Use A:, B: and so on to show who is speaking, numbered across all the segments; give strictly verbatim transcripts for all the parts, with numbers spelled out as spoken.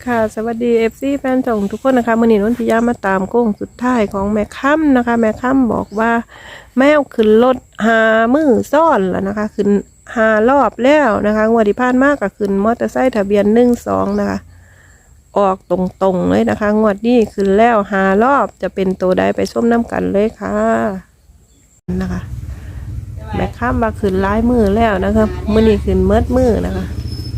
A: ค่ะสวัสดีเอฟซีแฟนช่องทุกคนนะคะมื่อนี้นนทิยามาตามโค้งสุดท้ายของแม่ค่ำนะคะแม่ค่ำบอกว่าแมวขึ้นรถหามือซ่อนแล้วนะคะขึ้นหารอบแล้วนะคะงวดที่ผ่านมากก็ขึ้นมอเตอร์ไซค์ทะเบียนหนึ่งสองนะคะออกตรงๆเลยนะคะงวดนี้ขึ้นแล้วหารอบจะเป็นตัวใดไปชมน้ำกันเลยค่ะนะคะแม่ค่ำว่าขึ้นร้ายมือแล้วนะคะมื่อนี้ขึ้นเมิดมือนะคะ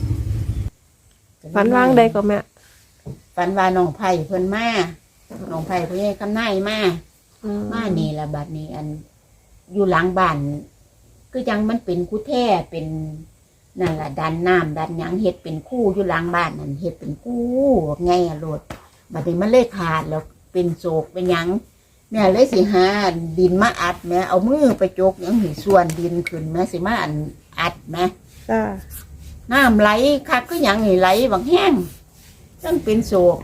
A: ฝันวางใดก็แม่
B: ฝันว่าน้องไผ่เพิ่นมาน้องไผ่เพิ่นให้คำนายมามานี่ละบัดนี้อันอยู่หลังบ้านคือจังมันเป็นคู่แท้เป็นนั่นล่ะดันน้ำดันหยังเฮ็ดเป็นคู่อยู่หลังบ้านนั่นเฮ็ดเป็นคู่ไงอะโลดบัดนี้มันเลยขาดแล้วเป็นโศกเป็นหยังแม่เลยสิหาดินมาอัดแม่เอามือไปจกหยังหิส่วนดินขึ้นแม่สิมาอันอัดแม่
A: จ้า
B: น้ำไหลคักคือหยังนี่ไหลบางแห้งต้องเป็นโศก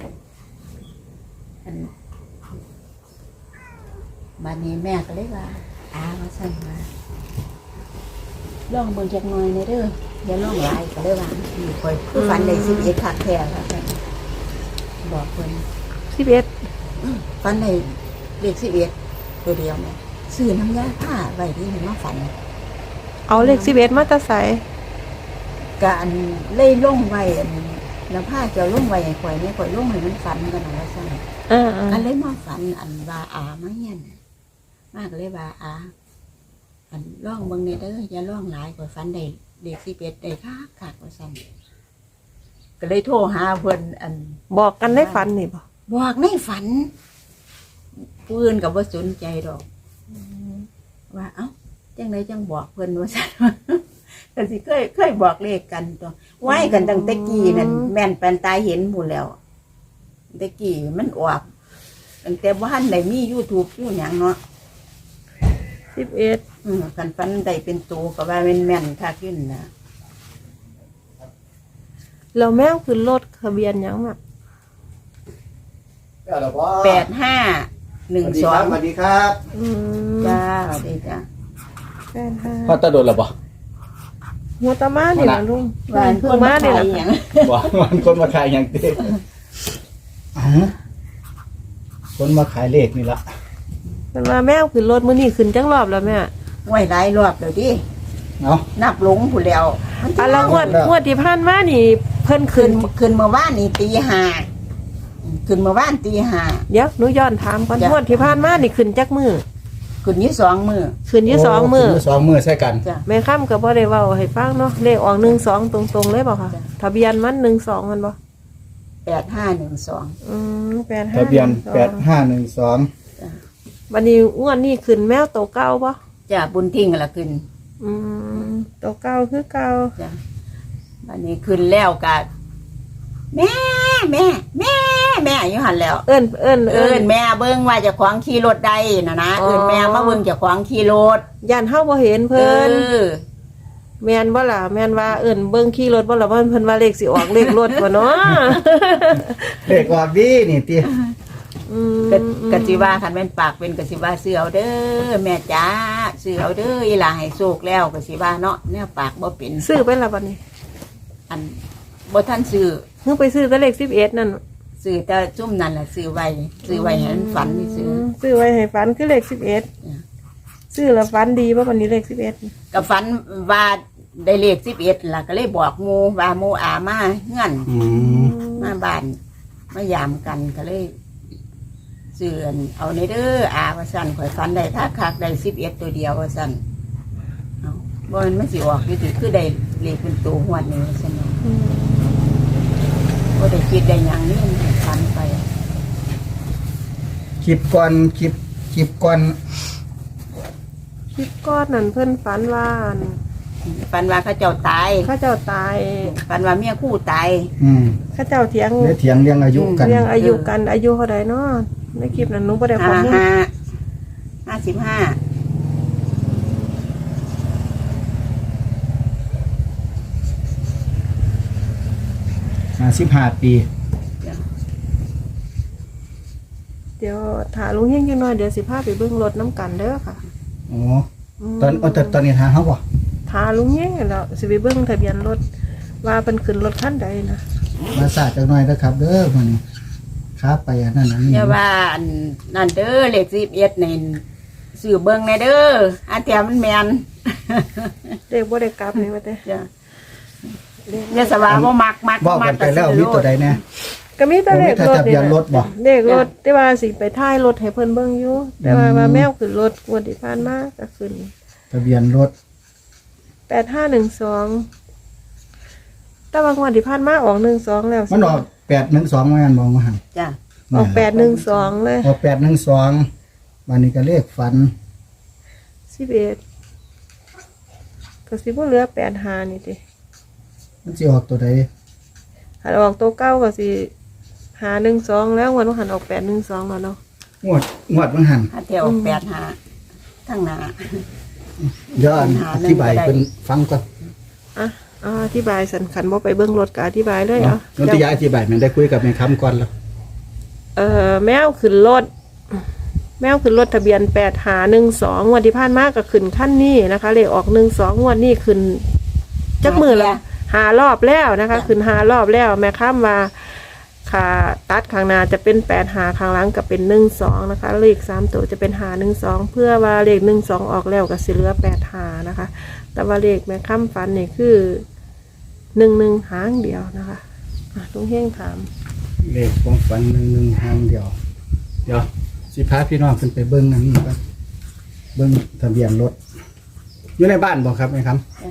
B: บัดนี้แม่ก็เลยว่าอามาสั่นมาล่องเบิ่งจักหน่อยในเด้ออย่าล่องหลายก็เลยว่าอยู่คอยคือฝันได้สิบเอ็ดคักแท้ค่ะบอกเพิ่น
A: สิบเอ็ด
B: ฝันได้เลขสิบเอ็ดตัวเดียวแม่ซื้อน้ำยาผ้าไว้ที่มันมาฝัน
A: เอาเลขสิบเอ็ดมาตะใส
B: การเล่ยล่งไว้แล้วผ้าจะล่งไว้ให้ข่อยนี่ข่อยล่งให้มันฝันกันหน่อยสั่น
A: อ่า
B: อันเลยมาฝันอันว่าอามาเฮียนมากเลยว่าอาอันล่องเบิ่งเนี่ยเด้ออย่าล่องหลายข่อยฝันได้เด็กสิบเอ็ดได้คักคักว่าสั่นก็เลยโทรหาเพิ่นอัน
A: บอกกันได้ฝันนี่บ่
B: บอกในฝันผู้อื่นก็บ่สนใจดอกว่าเอ้าจังไดจังบอกเพิ่นว่าสั่นแต่สิเคยเคยบอกเลขกันตัวไว้กันตั้งแต่กี้นั่นแม่นแปนตายเห็นหมดแล้วแต่กี้มันออกตั้งแต่บ้านไหนมี YouTube อยู่หยังเนาะ
A: สิบเอ็ด
B: อืมกันฟันได้เป็นตัวก็ว่าแม่นแม่นคักขึ้นนะ
A: เราแมวขึ้นรถทะเบียนหยังอ่ะ
B: แปดห้าหนึ่งสอง
C: สวัสดีครับ
B: จ้าสวัสดีจ้า
A: แปดห้า
C: พ่อตาโดนหรอปะ
A: หัวตามาเนี่ยลุง
B: วันเพิ่งมาเนี่ย
C: บอกวันคนมาขายอย่างเต้คนมาขายเลขนี่ละ
A: เป็นว่าแมวขึ้นรถมื้อนี้ขึ้นจังรอบแล้วแม่
B: ไหวหลายรอบแล้วดิ
C: เนาะ
B: นับหลงผู้แล้ว
A: อันละงวดงวดที่ผ่านมานี่เพิ่นขึ้น
B: ขึ้นเมื่อวานนี่ตีห้าขึ้นเมื่อวานตีห้า
A: เดี๋ยวหนูย้อนถามก่อนงวดที่ผ่านมานี่ขึ้นจักมือ
B: ขึ้นยี่สองมือ
A: ขึ้นยี่สองมือ
C: สองมือใช่กัน
A: แม่ค่ำก็บ่ได้เว้าให้ฟังเนาะเลขออกหนึ่งสองตรงๆเลยบ่ค่ะทะเบียนมันหนึ่งสองมันบ่
B: แปดห้าหนึ่งสอง
A: อืมแปดห้า
C: ทะเบียนแปดห้าหนึ่งสอง
A: วันนี้อ้วนนี่ขึ้นแมวโตเก้าป่ะ
B: จ้ะบุญทิ้งละขึ้น
A: อืมโตเก้าคือเก้า
B: จ้ะวันนี้ขึ้นแล้วกันแม่แม่แม่แม่อยู่หันแล้ว
A: เอิ้นเอิ้น
B: เอิ้นแม่เบิ่งว่าจะขวางขี่รถได้นะนะเอิ้นแม่มาเบิ่งจะขวางขี่รถ
A: ย่านเฮาบ่เห็นเพิ่นแม่นบ่ล่ะแม่นว่าเอิ้นเบิ่งขี่รถบ่ล่ะเพิ่นเพิ่นว่าเลขสิออกเลขรถบ่เนาะ
C: เลขออกดีนี่ติ
B: อืมกะสิว่าคันแม่นปากเป็นกะสิว่าซื้อเอาเด้อแม่จ๋าซื้อเอาเด้ออีหล่าให้โชคแล้วกะสิว่าเนาะแนวปากบ่เป็น
A: ซื้อไปล่ะบัดนี้
B: อันบ่ทันซื้อ
A: เพิ่งไปซื้อแต่เลขสิบเอ็ดนั่น
B: ซื้อแต่ซุ่มนั่นแหละซื้อไว้ซื้อไว้ให้มันฝันนี่ซื้อ
A: ซื้อไว้ให้ฝันคือเลขสิบเอ็ดซื้อแล้วฝันดีป่ะวันนี้เลขสิบเอ็ด
B: ก็ฝันว่าได้เลขสิบเอ็ดล่ะก็เลยบอกหมู่ว่าหมู่อามาเฮือนมาบ้านมายามกันก็เลยซื้อเอาในเด้ออาว่าซั่นข่อยฝันได้ถ้าคักได้สิบเอ็ดตัวเดียวว่าซั่นเอ้าบ่มันมันสิออกอยู่ติคือได้เลขเป็นตัวหวดนี่ว่าซั่นก็ได้คิดได้อย่างนี้ฝันไป
C: คลิปก่อนคลิปคลิปก่อน
A: คลิปก้อนนั่นเพิ่นฝันว่า
B: ฝันว่าเขาเจ้าตาย
A: เขาเจ้าตาย
B: ฝันว่าเมียคู่ตาย
C: อืม
A: เขาเจ้าเถียง
C: เถียงเรื่องอายุกัน
A: เรื่องอายุกันอายุเท่าใดเนาะในคลิปนั้นหนูบ่ได้ข้อมูล
B: ห้าห้าสิบห้า
C: ห้าสิบห้าปี
A: เดี๋ยวถาลุงเฮงจังหน่อยเดี๋ยวสิพาไปเบิ่งรถน้ำกันเด้อค่ะ
C: อ๋อตอนตอนตอนนี้ทางเฮาบ่
A: ถาลุงเฮงแล้วสิไปเบิ่งทะเบียนรถว่าเป็นขึ้นรถคันใดนะ
B: อื
C: มาสาดจักหน่อยนะครับ เด้อมื้อนี้ครับไปอันนั้นอันนี้
B: อย่าว่าอันนั่นเด้อเลขสิบเอ็ดนี่สื่อเบิ่งในเด้ออาเทียมันแม่น
A: เด็กบ่ได้กลับนี่ว่าแต่
B: จ้ะอย่าสว่าบ่มักมัก
C: บอกกันไปแล้วมีตัวใดแน่
A: ก็มีแต่เลขรถ
C: ทะเบียนรถบ่
A: เลขรถแต่ว่าสิไปท้ายรถให้เพิ่นเบิ่งอยู่แต่ว่าว่าแมวขึ้นรถงวดที่ผ่านมาก็ขึ้น
C: ทะเบียนรถ
A: แปดห้าหนึ่งสองแต่ว่างวดที่ผ่านมาออกหนึ่งสองแล้ว
C: มันออกแปดหนึ่งสองว่างั้นมองมาหั่น
B: จ้ะ
A: ออกแปดหนึ่งสองเลย
C: ออกแปดหนึ่งสองวันนี้ก็เลขฝัน
A: สิบเอ็ดก็สิบ่เหลือแปดห้านี่ติ
C: มันสิออกตัวใด
A: หันออกตัวเก้าก็สิหาหนึ่งสองแล้วงวดว่าหันออกแปดหนึ่งสองแล้วเนาะ
C: งวดงวดมันหัน
B: อาเทียออกแปดหาทั้งหน้า
C: เดี๋ยวอัน
B: หา
C: อ
B: หนึ่ง
C: ธิบาย
B: ก็ได้
C: เพิ่นฟังก่อน
A: อ่ะอ่าอธิบายสันขันบ่ไปเบิ่งรถก็อธิบายเลย
C: เนาะ
A: เอ่ะ
C: นนทิยาอธิบายมันได้คุยกับแม่ค้ำก่อนแล้ว
A: เอ่อแมวขึ้นรถ แมวขึ้นรถทะเบียนแปดหาหนึ่งสองงวดที่ผ่านมาก็ขึ้นขั้นนี้นะคะเลขออกหนึ่งสองงวดนี้ขึ้นจักมือละหารอบแล้วนะคะ ขึ้นหารอบแล้ว แม่ค้ำว่าขาตัดข้างหน้าจะเป็นแปดหาข้างหลังก็เป็นหนึ่งสองนะคะเลขสามตัวจะเป็นหาหนึ่งสองเพื่อว่าเลขหนึ่งสองออกแล้วก็สิเหลือแปดหานะคะ แต่ว่าเลขแม่ค้ำฟันนี่คือหนึ่งหนึ่งหางเดียวนะคะอ่ะลุงเฮงถาม
C: เลขของฝันหนึ่งหนึ่งหางเดียว เดี๋ยวสิพาพี่น้องขึ้นไปเบิ้งนั่นนี่ก่อนเบิ้งทะเบียนรถ อยู่ในบ้านบ่ครับแม่ค้ำ
B: จ้ะ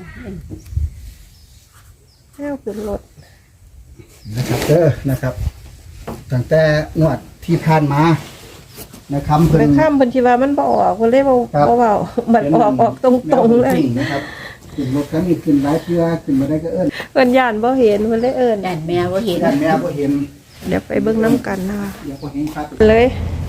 A: แมวขึ้นรถ
C: นะครับเด้อนะครับตั้งแต่งวดที่ผ่านมานะครับเพิ่น
A: แม่ค้ำเพิ่นคิดว่ามันบ่ออกเพิ่นเลยบ่
C: ครับ
A: บ่เว้ามันออกออกตรงๆเลย
C: จริงนะครับขึ้นรถคันนี้ขึ้นหลายเทื่อขึ้นมาได้ก็เอิ้น
A: เพิ่นย่านบ่เห็นเพิ่นเลยเอิ้น
B: ด้านแม่บ่เห็น
C: ด้านแม่บ่เห็น
A: เดี๋ยวไปเบิ่งน้ำกันนะคะ
C: เดี๋ยวบ่เห็นครับ
A: เลย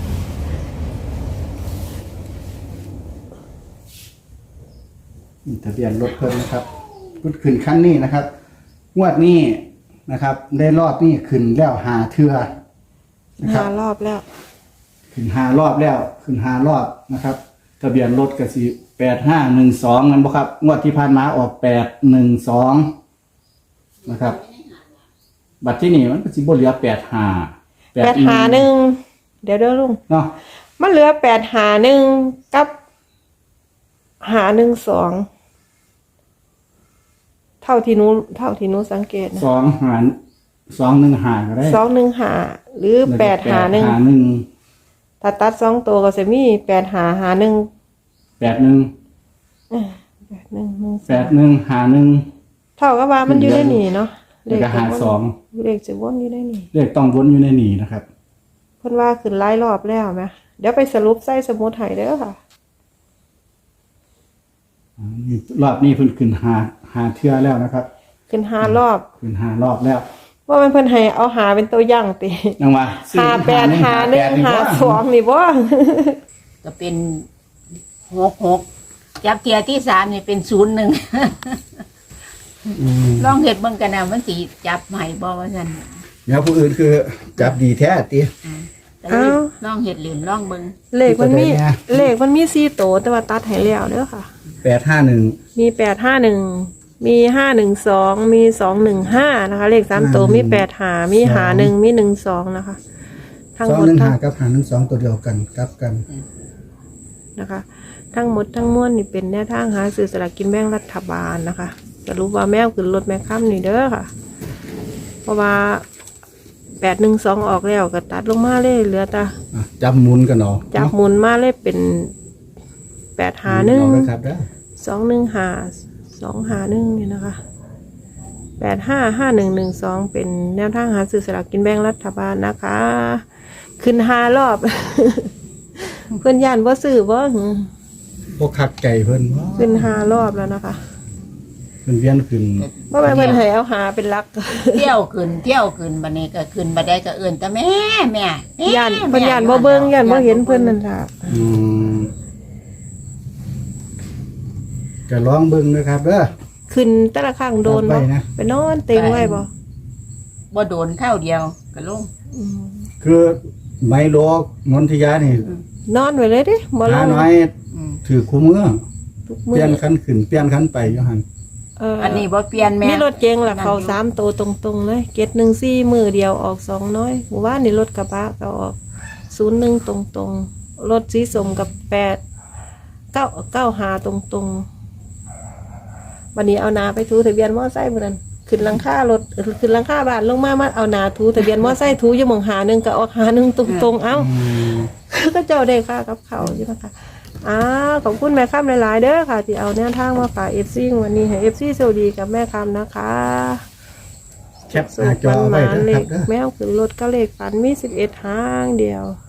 C: นี่ทะเบียนรถเพิ่นนะครับพุดขึ้นคันนี้นะครับงวดนี้นะครับ ได้รอบนี้ขึ้นแล้วหาเทื่อนะครับ
A: หารอบแล้ว
C: ขึ้นหารอบแล้วขึ้นหารอบนะครับ ทะเบียนรถก็สิแปดห้าหนึ่งสองนั่นบ่ครับงวดที่ผ่านมาออกแปดหนึ่งสองนะครับ บัตรที่นี่มันก็สิบ่เหลือแปดห้า
A: แปดหาหนึ่งเดี๋ยวเด้อลุง
C: เนาะ
A: มันเหลือแปดหาหนึ่งกับหาหนึ่งสองเท่าที่หนูเท่าที่หนูสังเกตนะ
C: สองหารสองหนึ่งหาก็ได้
A: สองหนึ่งหาหรือแปดหาหนึ่ง
C: หาหนึ่ง
A: ถ้าตัดสองตัวก็จะมีแปดหาหาหนึ่ง
C: แปดหนึ่ง
A: แปดหนึ่งหนึ่งส
C: แป
A: อง
C: ดหนึ่งหาหนึ่ง
A: เท่ากับว่ามันอยู่ได้หนีเนาะ
C: แล้วก็หาสอง
A: เลขจะวนอยู่ได้หนี
C: เลขต้องวนอยู่ในนี้นะครับ
A: เพิ่นว่าขึ้นหลายรอบแล้วไหมเดี๋ยวไปสรุปใส่สมุดให้เด้อค่ะ
C: อ่านี่รอบนี้เพิ่นขึ้นหาหาเทื่อแล้วนะครับ
A: ขึ้นหารอบ
C: ขึ้นหารอบแล้ว
A: ว่ามันเพิ่นให้เอาหาเป็นตัวอย่างติ
C: ยังว่า
A: หาแปดหาหนึ่งหาสองนี่บ่
B: ก็เป็นหกหกจับเทียที่สามนี่เป็นศูนย์หนึ่ง
C: อืม
B: ลองเห็ดเบิ่งกันนะมันสิจับใหม่บ่ว่าซั่น
C: เดี๋ยวผู้อื่นคือจับดีแท้ติ
B: แต่ว่าลองเห็ดเหรียญลองเบิ่ง
A: เลขมันมี
C: ตัวใดเนี่ย
A: เลขมันมีสี่โตวแต่ว่าตัดให้แล้วเด้อค่ะ
C: แปดห้าหนึ่ง
A: มีแปดห้าหนึ่งมีห้าหนึ่งสองมีสองหนึ่งห้านะคะ เลขสามตัวมีแปดหามีหาหนึ่งมีหนึ่งสองนะคะ ทั้ง
C: สอง
A: หมด
C: หนึ่ง
A: ทั้
C: หาง กับหาหนึ่งสองตัวเดียวกันกลับกัน
A: นะคะ ทั้งหมดทั้งมวลนี่เป็นแนวทางหาซื้อสลากกินแบ่งรัฐบาลนะคะสรุปว่าแมวขึ้นรถแม่ค้ำนี่เด้อค่ะ เพราะว่าแปดหนึ่งสองออกแล้วก็ตัดลงมาเลยเหลือแต่
C: อ่ะจับหมุนกันเนาะ
A: จับหมุนมาเลยเป็นแปดหาหนึ่ง
C: เอาเลยครับเด้อ
A: สองหนึ่งหาสองหาหนึ่งเนี่ยนะคะแปดห้าห้าหนึ่งหนึ่งสองเป็นแนวทางหาซื้อสลากกินแบ่งรัฐบาลนะคะ ขึ้นหารอบ เพื่อนย่านว่าซื้อว่า
C: พวกคักไก่เพิ่นว่า
A: ขึ้นหารอบแล้วนะคะ
C: เพิ่นเวียนขึ้น
A: ว่าไปเพื่อนให้เอาหาเป็นหลัก
B: เที่ยวขึ้นเที่ยวขึ้นบัดนี้ก็ขึ้นบัดใดก็เอิ้นแต่แม่แม่แม่
A: ย่านเพื่อนย่านบ่เบิ่งย่านบ่เห็นเพื่อนนั่นค่ะ
C: อืมจะลองเบิ่งนะครับเด้อ
A: ขึ้นแต่ละข้างโดน
C: ไว้
A: บ่
C: นะ
A: ไปนอนเต็งไว้บ่
B: บ่โดนข้าวเดียวก็ลง
A: อืม
C: คือไมโลนนทิยานี่
A: นอนไว้เลยดิบ่ล
C: หาง น้อย
B: อืม
C: ถือคู่มือ
A: ทุก
C: เป
A: มื้
C: ลี่ยน
A: อ
C: คันขึ้นเปลี่ยนคันไปอยู่หั่น
A: เออ
B: อันนี้บ่เปลี่ยนแม่
A: มีรถเก๋งล่ะ
B: นั่นอยู่
A: เขาสามตัวตรงๆเลยเกตหนึ่งสี่มือเดียวออกสองน้อยหมู่บ้านนี่รถกระบะก็ออกศูนย์หนึ่งตรงๆรถสีสมกับแปดเก้าเก้าหาตรงๆวันนี้เอานาไปทูทะเบียนมอไซค์มื้อนั้นขึ้นหลังคารถเออขึ้นหลังคาบ้านลงมามาเอานาทูทะเบียนมอไซค์ทูอยู่หมองหาหนึงก็ออกหาหนึงตรงๆเอ้า ก็เจ้าได้ค่ากับเขาใช่ไหมคะอ้าวขอบคุณแม่ค้ำหลายๆเด้อค่ะที่เอาแนวทางมาฝากเอฟซีวันนี้ให้เอฟซีสวัสดีกับแม่ค้ำนะคะ
C: แคปหน้าจอไว้
A: สุข
C: นะ
A: เล
C: ครับ
A: ข
C: เด้อ
A: แมวขึ้นรถก็เลขฝันมีสิบเอ็ดหางเดียว